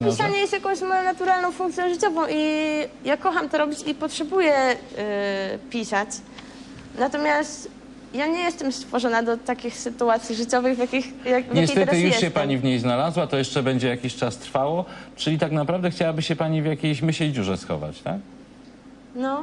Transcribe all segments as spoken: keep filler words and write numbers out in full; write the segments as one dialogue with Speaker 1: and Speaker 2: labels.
Speaker 1: Pisanie jest jakąś moją naturalną funkcją życiową i ja kocham to robić i potrzebuję y, pisać. Natomiast ja nie jestem stworzona do takich sytuacji życiowych, w jakich jak, w jakiej
Speaker 2: Niestety
Speaker 1: teraz
Speaker 2: już
Speaker 1: jestem.
Speaker 2: się pani w niej znalazła, to jeszcze będzie jakiś czas trwało, czyli tak naprawdę chciałaby się pani w jakiejś mysiej dziurze schować, tak?
Speaker 1: No.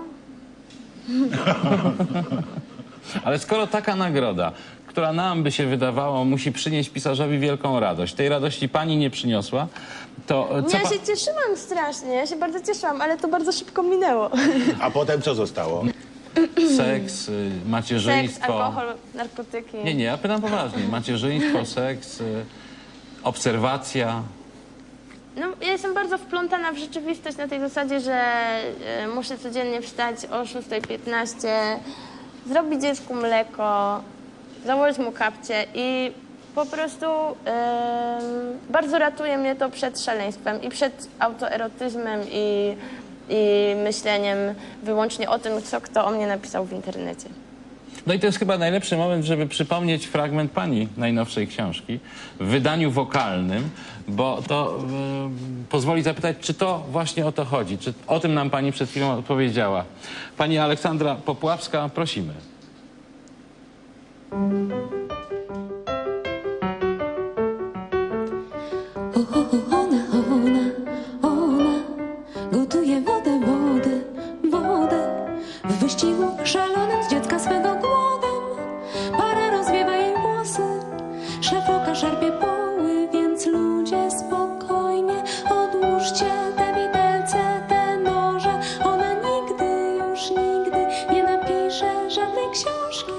Speaker 2: Ale skoro taka nagroda, która nam by się wydawało, musi przynieść pisarzowi wielką radość, tej radości pani nie przyniosła, to co
Speaker 1: Ja
Speaker 2: pa...
Speaker 1: się cieszyłam strasznie, ja się bardzo cieszyłam, ale to bardzo szybko minęło.
Speaker 3: A potem co zostało?
Speaker 2: Seks, y, macierzyństwo...
Speaker 1: Seks, alkohol, narkotyki.
Speaker 2: Nie, nie, ja pytam poważnie. Macierzyństwo, seks, y, obserwacja...
Speaker 1: No, ja jestem bardzo wplątana w rzeczywistość na tej zasadzie, że e, muszę codziennie wstać o szósta piętnaście, zrobić dziecku mleko, założyć mu kapcie i po prostu e, bardzo ratuje mnie to przed szaleństwem i przed autoerotyzmem i, i myśleniem wyłącznie o tym, co kto o mnie napisał w internecie.
Speaker 2: No i to jest chyba najlepszy moment, żeby przypomnieć fragment pani najnowszej książki w wydaniu wokalnym, bo to y, pozwoli zapytać, czy to właśnie o to chodzi, czy o tym nam pani przed chwilą odpowiedziała. Pani Aleksandra Popławska, prosimy.
Speaker 4: O, o, ona, ona, ona gotuje wodę, wodę, wodę w wyścigu szalonym z dziecka swego głodem. Para rozwiewa jej włosy, szefoka szarpie poły, więc ludzie spokojnie odłóżcie te widelce, te noże. Ona nigdy, już nigdy nie napisze żadnej książki.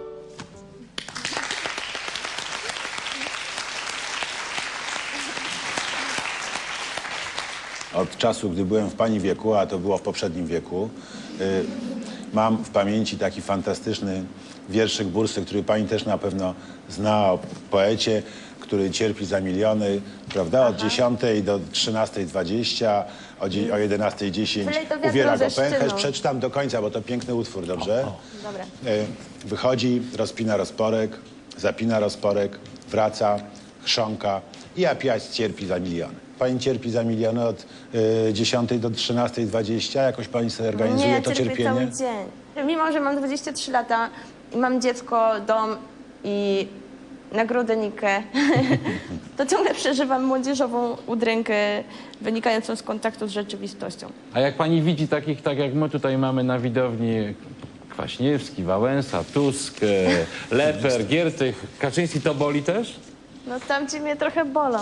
Speaker 3: Od czasu, gdy byłem w pani wieku, a to było w poprzednim wieku, y, mam w pamięci taki fantastyczny wierszyk Bursy, który pani też na pewno zna, o poecie, który cierpi za miliony, prawda? Od dziesiątej do trzynastej dwadzieścia, o, dzie- o jedenastej dziesięć
Speaker 1: Wylej to wiadro
Speaker 3: uwiera
Speaker 1: ze
Speaker 3: go pęcherz.
Speaker 1: szczyną.
Speaker 3: Przeczytam do końca, bo to piękny utwór, dobrze?
Speaker 1: Dobra.
Speaker 3: Y, Wychodzi, rozpina rozporek, zapina rozporek, wraca, chrząka i apiać cierpi za miliony. Pani cierpi za miliony od y, dziesiątej do trzynastej dwadzieścia. Jakoś pani sobie organizuje
Speaker 1: Nie,
Speaker 3: to
Speaker 1: cierpię
Speaker 3: cierpienie?
Speaker 1: cały dzień. Mimo, że mam dwadzieścia trzy lata i mam dziecko, dom i nagrodę Nikę, to ciągle przeżywam młodzieżową udrękę wynikającą z kontaktu z rzeczywistością.
Speaker 2: A jak pani widzi takich, tak jak my tutaj mamy na widowni, Kwaśniewski, Wałęsa, Tusk, e, Leper, Giertych, Kaczyński, to boli też?
Speaker 1: No tamci mnie trochę bolą.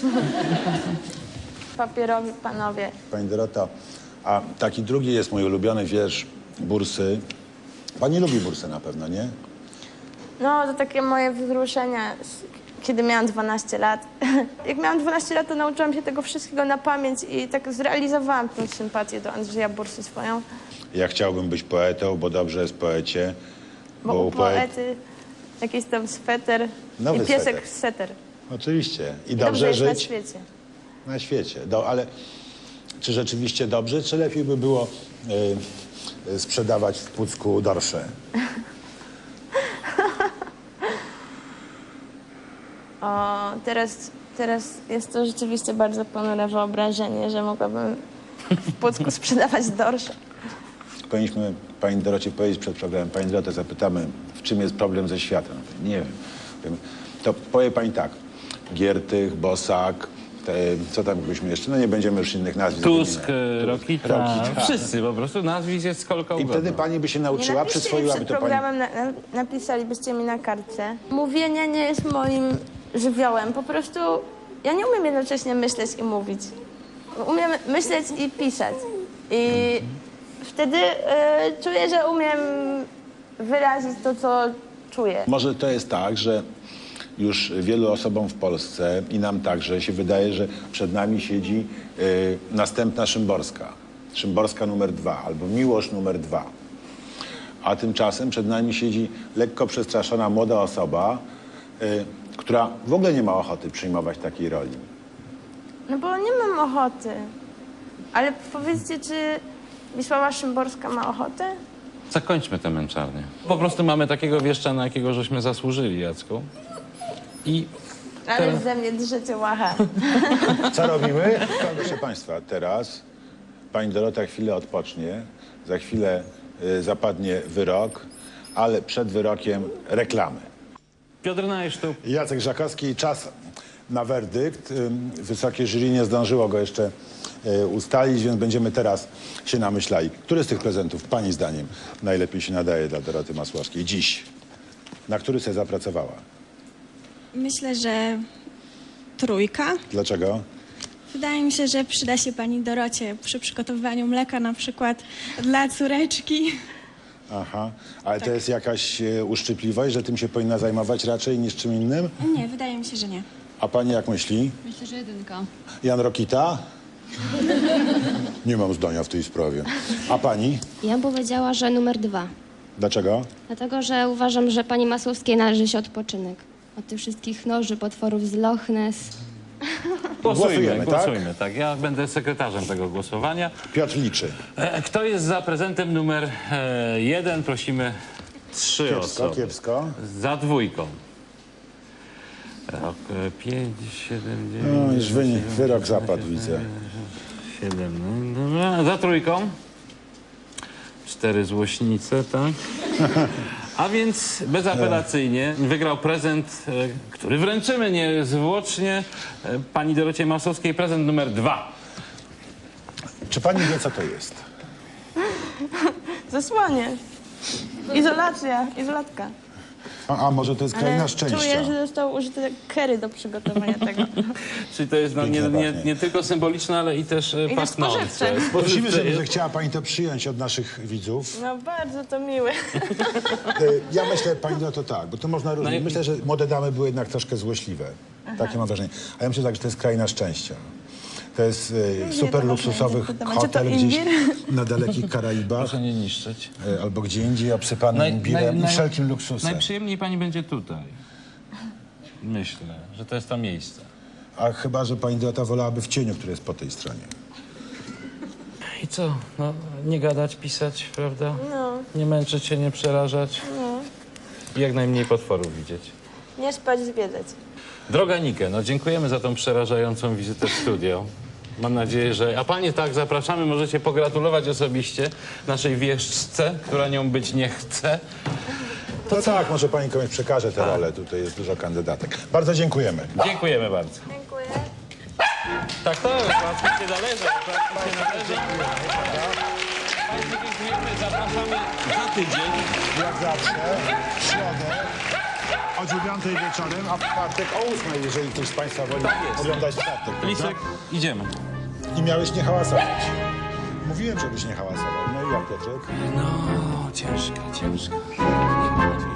Speaker 1: Papierowi panowie.
Speaker 3: Pani Dorota, a taki drugi jest mój ulubiony wiersz Bursy. Pani lubi Bursę na pewno, nie?
Speaker 1: No to takie moje wzruszenia, z- kiedy miałam dwanaście lat. Jak miałam dwanaście lat, to nauczyłam się tego wszystkiego na pamięć i tak zrealizowałam tę sympatię do Andrzeja Bursy swoją.
Speaker 3: Ja chciałbym być poetą, bo dobrze jest poecie.
Speaker 1: Bo u poety jakiś tam sweter
Speaker 3: Nowy
Speaker 1: i piesek
Speaker 3: sweter.
Speaker 1: sweter.
Speaker 3: Oczywiście. I
Speaker 1: I
Speaker 3: dobrze,
Speaker 1: jest na
Speaker 3: żyć
Speaker 1: świecie.
Speaker 3: na świecie. Do, ale czy rzeczywiście dobrze, czy lepiej by było y, y, sprzedawać w Pucku dorsze?
Speaker 1: O, teraz, teraz jest to rzeczywiście bardzo ponure wyobrażenie, że mogłabym w Pucku sprzedawać dorsze.
Speaker 3: Powinniśmy pani Dorocie powiedzieć przed programem, pani Dorotę zapytamy, w czym jest problem ze światem. Nie wiem. Wiem. To powie pani tak, Giertych, Bosak, te, co tam byśmy jeszcze, no nie będziemy już innych nazwisk.
Speaker 2: Tusk,
Speaker 3: wymieniać.
Speaker 2: e, Rokita,
Speaker 3: Rokita.
Speaker 2: wszyscy po prostu, nazwisk jest kolką
Speaker 3: I wtedy pani by się nauczyła,
Speaker 1: napiszcie mi
Speaker 3: przyswoiłaby
Speaker 1: przed
Speaker 3: to pani.
Speaker 1: programem, na, na, napisalibyście mi na kartce. Mówienie nie jest moim żywiołem. Po prostu ja nie umiem jednocześnie myśleć i mówić. Umiem myśleć i pisać. I wtedy e, czuję, że umiem wyrazić to, co czuję.
Speaker 3: Może to jest tak, że już wielu osobom w Polsce i nam także się wydaje, że przed nami siedzi y, następna Szymborska. Szymborska numer dwa albo Miłosz numer dwa. A tymczasem przed nami siedzi lekko przestraszona młoda osoba, y, która w ogóle nie ma ochoty przyjmować takiej roli.
Speaker 1: No bo nie mam ochoty. Ale powiedzcie, czy Wisława Szymborska ma ochotę?
Speaker 2: Zakończmy tę męczarnię. Po prostu mamy takiego wieszcza, na jakiego żeśmy zasłużyli, Jacku. I
Speaker 1: Ale ze mnie drzecie łacha.
Speaker 3: Co robimy? Proszę Państwa, teraz pani Dorota chwilę odpocznie, za chwilę y, zapadnie wyrok, ale przed wyrokiem reklamy.
Speaker 2: Piotr Najsztub.
Speaker 3: Jacek Żakowski, czas na werdykt. Ym, Wysokie jury nie zdążyło go jeszcze y, ustalić, więc będziemy teraz się namyślali. Który z tych prezentów pani zdaniem najlepiej się nadaje dla Doroty Masłowskiej dziś? Na który sobie zapracowała?
Speaker 5: Myślę, że trójka.
Speaker 3: Dlaczego?
Speaker 5: Wydaje mi się, że przyda się pani Dorocie przy przygotowywaniu mleka, na przykład dla córeczki.
Speaker 3: Aha, ale to jest jakaś e, uszczypliwość, że tym się powinna zajmować raczej niż czym innym?
Speaker 5: Nie, wydaje mi się, że nie.
Speaker 3: A pani jak myśli?
Speaker 6: Myślę, że jedynka.
Speaker 3: Jan Rokita? Nie mam zdania w tej sprawie. A pani?
Speaker 7: Ja bym powiedziała, że numer dwa.
Speaker 3: Dlaczego?
Speaker 7: Dlatego, że uważam, że pani Masłowskiej należy się odpoczynek. Od tych wszystkich noży, potworów z Loch Ness.
Speaker 2: Głosujmy,
Speaker 3: Głosujemy, tak?
Speaker 2: głosujmy, tak? Ja będę sekretarzem tego głosowania.
Speaker 3: Piotr liczy.
Speaker 2: E, Kto jest za prezentem numer e, jeden? Prosimy trzy
Speaker 3: Kiepsko,
Speaker 2: osoby.
Speaker 3: kiepsko.
Speaker 2: Za dwójką. Rok e, pięć, siedem, dziewięć.
Speaker 3: No już wynik, wyrok zapadł, widzę.
Speaker 2: Siedem, no dobra. Za trójką. Cztery złośnice, tak? A więc bezapelacyjnie wygrał prezent, e, który wręczymy niezwłocznie e, pani Dorocie Masłowskiej. Prezent numer dwa.
Speaker 3: Czy pani wie, co to jest?
Speaker 1: Zasłanie. Izolacja, izolatka.
Speaker 3: A, a może to jest kraina
Speaker 1: Ale
Speaker 3: szczęścia?
Speaker 1: czuję, że został użyty kery do przygotowania tego.
Speaker 2: Czyli to jest no, nie,
Speaker 3: Pięknie
Speaker 2: nie,
Speaker 3: pachnie.
Speaker 2: nie tylko symboliczne, ale i też e,
Speaker 1: też
Speaker 2: pachnące.
Speaker 1: spożywcze.
Speaker 3: Prosimy, żeby
Speaker 2: jest.
Speaker 3: zechciała pani to przyjąć od naszych widzów.
Speaker 1: No bardzo to miłe.
Speaker 3: E, Ja myślę, pani no to tak, bo to można różnie.
Speaker 2: No i-
Speaker 3: Myślę, że młode damy były jednak troszkę złośliwe. Takie mam wrażenie. A ja myślę tak, że to jest kraina szczęścia. To jest e, super
Speaker 1: to
Speaker 3: luksusowy
Speaker 1: można interpretować. Czy to
Speaker 3: hotel gdzieś
Speaker 1: imbir?
Speaker 3: na dalekich Karaibach
Speaker 2: Proszę nie niszczyć.
Speaker 3: e, albo gdzie indziej obsypany
Speaker 2: Naj-
Speaker 3: imbirem
Speaker 2: naj-
Speaker 3: i wszelkim luksusem.
Speaker 2: Najprzyjemniej pani będzie tutaj. Myślę, że to jest to miejsce.
Speaker 3: A chyba, że pani Dorota wolałaby w cieniu, który jest po tej stronie.
Speaker 2: I co? No, nie gadać, pisać, prawda?
Speaker 1: No,
Speaker 2: Nie męczyć się, nie przerażać.
Speaker 1: no.
Speaker 2: I jak najmniej potworów widzieć.
Speaker 1: Nie spać, zwiedzać.
Speaker 2: Droga Nike, no dziękujemy za tą przerażającą wizytę w studio. Mam nadzieję, że... A panie tak, zapraszamy, możecie pogratulować osobiście naszej wieszczce, która nią być nie chce.
Speaker 3: To tak, może pani komuś przekaże tę rolę. Tutaj jest dużo kandydatek. Bardzo dziękujemy.
Speaker 2: Dziękujemy bardzo.
Speaker 1: Dziękuję.
Speaker 2: Tak, to łatwo się należy, łatwo się należy. Państwu dziękujemy, zapraszamy za tydzień.
Speaker 3: Jak zawsze, w środę o dziewiątej wieczorem, a w czwartek o ósmej, jeżeli ktoś z państwa woli
Speaker 2: Tak jest.
Speaker 3: oglądać czwartek. prawda?
Speaker 2: Lisek, idziemy.
Speaker 3: I miałeś nie hałasować. Mówiłem, żebyś nie hałasował. No i jak, Piotrek?
Speaker 2: No, ciężka, ciężka.